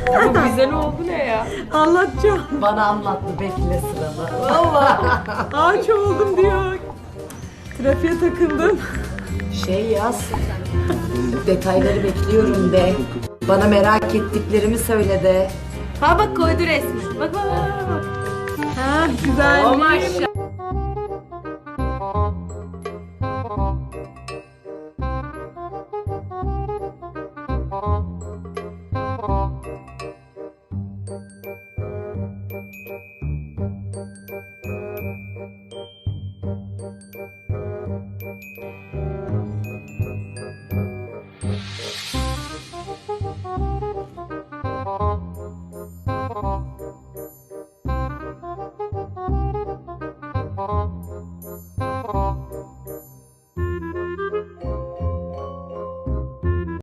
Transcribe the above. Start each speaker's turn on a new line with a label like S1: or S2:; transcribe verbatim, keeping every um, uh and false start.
S1: Bu güzel oldu ne ya?
S2: Anlatacağım.
S3: Bana anlattı, bekle sıranı.
S1: Vallahi.
S2: Ağaç oldum diyor. Trafiğe takıldım.
S3: Şey yaz. Detayları bekliyorum de. Bana merak ettiklerimi söyle de.
S1: Ha bak koydu resmi. Bak bak bak. bak.
S2: Ha güzel.
S1: Oh maşallah.